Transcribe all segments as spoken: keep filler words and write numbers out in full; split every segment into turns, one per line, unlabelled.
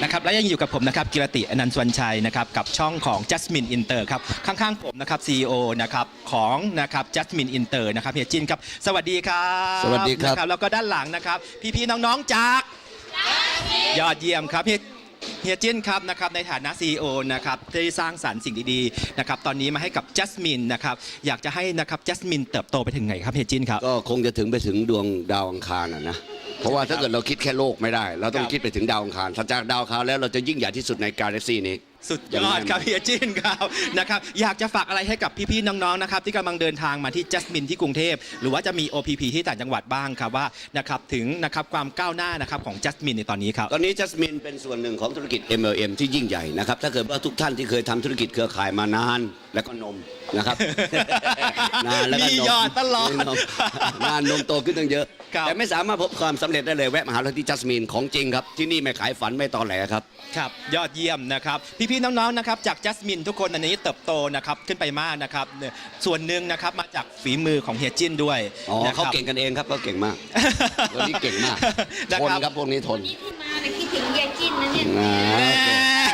นะครับและยังอยู่กับผมนะครับกิรติอนันต์สวรรณชัยนะครับกับช่องของ Jasmine Inter ครับข้างๆผมนะครับ ซี อี โอ นะครับของนะครับ Jasmine Inter นะครับเฮียจินครับสวัสดีครับ
สวัสดีครับ
นะแล้วก็ด้านหลังนะครับพี่ๆน้องๆจากยอดเยี่ยมครับเฮียเฮียจินครับนะครับในฐานะ ซี อี โอ นะครับที่สร้างสรรค์สิ่งดีๆนะครับตอนนี้มาให้กับ Jasmine นะครับอยากจะให้นะครับ Jasmine เติบโตไปถึงไหนครับเฮียจินครับ
ก็คงจะถึงไปถึงดวงดาวอังคารนะนะเพราะว่าถ้าเกิดเราคิดแค่โลกไม่ได้ เราต้องคิดไปถึงดาวอังคารถ้าจากดาวอังคารแล้วเราจะยิ่งใหญ่ที่สุดในกาแล็กซี่นี้
สุดยอดครับเฮียจินครับนะครับอยากจะฝากอะไรให้กับพี่ๆน้องๆนะครับที่กำลังเดินทางมาที่ Jasmine ที่กรุงเทพหรือว่าจะมี โอ พี พี ที่ต่างจังหวัดบ้างครับว่านะครับถึงนะครับความก้าวหน้านะครับของ Jasmine ในตอนนี้ครับ
ตอนนี้จัสมินเป็นส่วนหนึ่งของธุรกิจ เอ็ม แอล เอ็ม ที่ยิ่งใหญ่นะครับถ้าเกิดว่าทุกท่านที่เคยทำธุรกิจเครือข่ายมานานแล้วก็นมนะครับ นานแล้วก็
มี
นม
ยอดตลอด
นมนานนมโตขึ้นตั้งเยอะ
ครับ
แต่ไม่สามารถพบความสำเร็จได้เลยแวะมาหาเราที่จัสมินของจริงครับที่นี่ไม่ขายฝันไม่ตอแหลครับ
ครับยอดเยี่ยมนะครับพี่ๆน้องๆนะครับจาก Jasmine ทุกคนอันนี้เติบโตนะครับขึ้นไปมากนะครับเนี่ยส่วนหนึ่งนะครับมาจากฝีมือของเฮียจินด้วย
อ๋อ
นะค
เขา
รับ
เก่งกันเองครับเขาเก่งมาก วันนี้เก่งมาก
นะ
ทน
ครับ
ครับพวกนี้ทน
นี่ที่มาแต่คิดถึงยายจิ้นนะเนี่ย
อ่าโอเค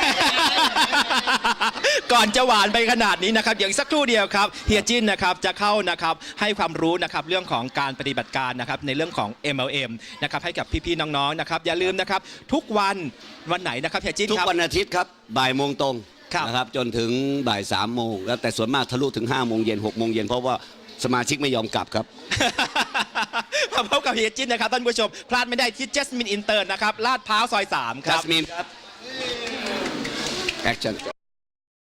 ก่อนจะหวานไปขนาดนี้นะครับอย่างสักครู่เดียวครับเฮียจินนะครับจะเข้านะครับให้ความรู้นะครับเรื่องของการปฏิบัติการนะครับในเรื่องของ เอ็ม แอล เอ็ม นะครับให้กับพี่ๆน้องๆนะครับอย่าลืมนะครับทุกวันวันไหนนะครับเฮียจิน
ทุก
ครับ
วันอาทิตย์ครับบ่ายโมงตรง
ครับ
นะครับจนถึงบ่ายสามโมงแล้วแต่ส่วนมากทะลุถึงห้าโมงเย็นหกโมงเย็นเพราะว่าสมาชิกไม่ยอมกลับครับ
มาพบกับเฮียจินนะครับท่านผู้ชมพลาดไม่ได้ที่ Jasmine Inter นะครับลาดพร้าวซอยสามค
จั
รับ
สมินครับแอคชั่น